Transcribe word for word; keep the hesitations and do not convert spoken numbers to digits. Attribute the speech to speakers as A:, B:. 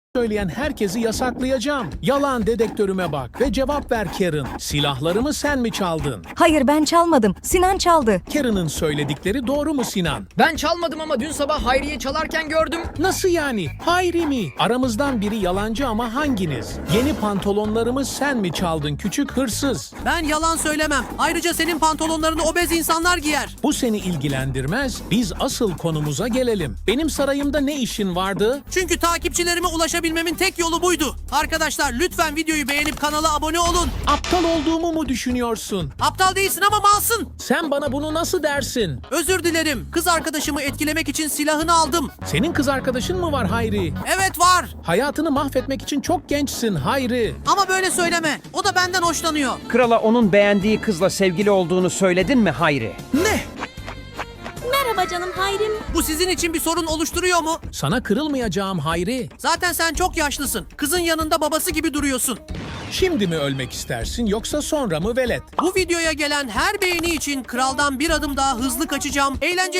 A: söyleyen herkesi yasaklayacağım. Yalan dedektörüme bak ve cevap ver Karen. Silahlarımı sen mi çaldın?
B: Hayır, ben çalmadım. Sinan çaldı.
A: Karen'ın söyledikleri doğru mu Sinan?
C: Ben çalmadım ama dün sabah Hayriye çalarken gördüm.
A: Nasıl yani? Hayri mi? Aramızdan biri yalancı ama hanginiz? Yeni pantolonlarımı sen mi çaldın küçük hırsız?
D: Ben yalan söylemem. Ayrıca senin pantolonlarını obez insanlar giyer.
A: Bu seni ilgilendirmez. Biz asıl konumuza gelelim. Benim sarayımda ne işin vardı?
D: Çünkü takipçilerime ulaşabilmemin tek yolu buydu. Arkadaşlar lütfen videoyu beğenip kanala abone olun.
A: Aptal olduğumu mu düşünüyorsun?
D: Aptal değilsin ama malsın.
A: Sen bana bunu nasıl dersin?
D: Özür dilerim. Kız arkadaşımı etkilemek için silahını aldım.
A: Senin kız arkadaşın mı var Hayri?
D: Evet var.
A: Hayatını mahvetmek için çok gençsin Hayri.
D: Ama böyle söyleme. O da benden hoşlanıyor.
E: Krala onun beğendiği kızla sevgili olduğunu söyledin mi Hayri?
A: Ne?
F: Merhaba canım Hayrim.
D: Bu sizin için bir sorun oluşturuyor mu?
A: Sana kırılmayacağım Hayri.
D: Zaten sen çok yaşlısın. Kızın yanında babası gibi duruyorsun.
A: Şimdi mi ölmek istersin yoksa sonra mı velet?
D: Bu videoya gelen her beğeni için kraldan bir adım daha hızlı kaçacağım. Eğlenceli